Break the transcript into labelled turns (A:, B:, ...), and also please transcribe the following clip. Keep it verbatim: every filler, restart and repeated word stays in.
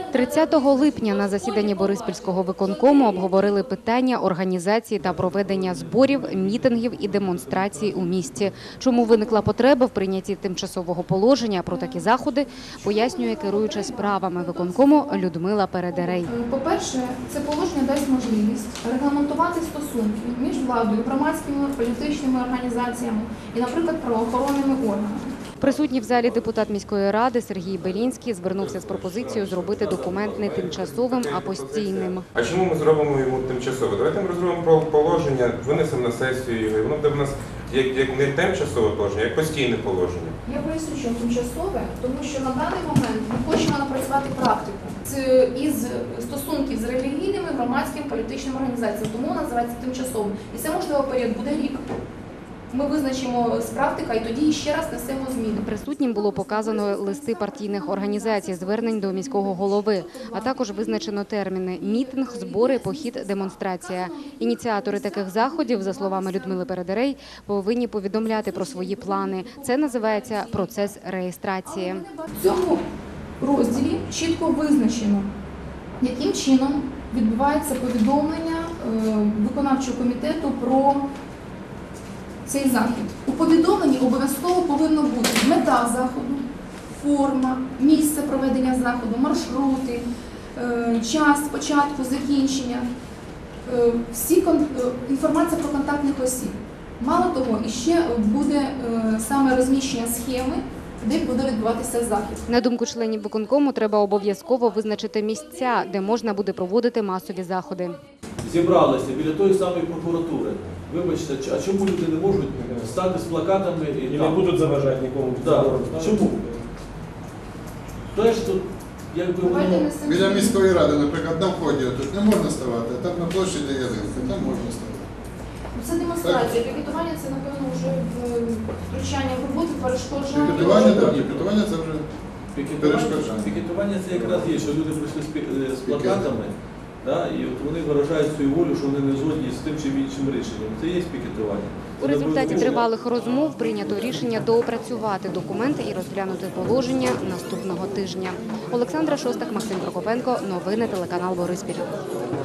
A: тридцятого липня на засіданні Бориспільського виконкому обговорили питання організації та проведення зборів, мітингів і демонстрацій у місті. Чому виникла потреба в прийнятті тимчасового положення про такі заходи, пояснює керуюча справами виконкому Людмила Передерей.
B: По-перше, це положення дасть можливість регламентувати стосунки між владою, громадськими, політичними організаціями і, наприклад, правоохоронними органами.
A: Присутній в залі депутат міської ради Сергій Белінський звернувся з пропозицією зробити документ не тимчасовим, а постійним.
C: А чому ми зробимо йому тимчасово? Давайте ми розробимо положення, винесемо на сесію його, і воно буде в нас як, як не тимчасове положення, як постійне положення.
B: Я поясню, що тимчасове, тому що на даний момент ми хочемо напрацювати практику з, із стосунків з релігійними, громадськими, політичними організаціями, тому вона називається тимчасовим. І це, можливо, період буде рік. Ми визначимо з практика і тоді ще раз несемо зміни.
A: Присутнім було показано листи партійних організацій, звернень до міського голови, а також визначено терміни – мітинг, збори, похід, демонстрація. Ініціатори таких заходів, за словами Людмили Передерей, повинні повідомляти про свої плани. Це називається процес реєстрації.
B: В цьому розділі чітко визначено, яким чином відбувається повідомлення виконавчого комітету про цей захід. У повідомленні обов'язково повинно бути мета заходу, форма, місце проведення заходу, маршрути, час початку, закінчення, всі інформація про контактних осіб. Мало того, іще буде саме розміщення схеми, де буде відбуватися захід.
A: На думку членів виконкому, треба обов'язково визначити місця, де можна буде проводити масові заходи.
D: Зібралися біля тої самої прокуратури. Вибачте, а чому люди не можуть стати з плакатами і,
E: і не будуть заважати нікому?
D: Да. Чому? Теж тут, якби воно...
F: Біля міської ради, наприклад, на вході тут не можна ставати, а там на площі, де ялинка, там можна ставати.
B: Це демонстрація. Пікетування – це, напевно, вже втручання в роботу, перешкоджання.
F: Пікетування, так, пікетування – це вже
D: Пікетування,
F: перешкоджання.
D: Пікетування – це якраз є, що люди прийшли з, з плакатами, да, і от вони виражають свою волю, що вони не згодні з тим чи іншим рішенням. Це є пікетування.
A: У результаті тривалих розмов прийнято рішення доопрацювати документи і розглянути положення наступного тижня. Олександра Шостак, Максим Прокопенко. Новини телеканал Бориспіль.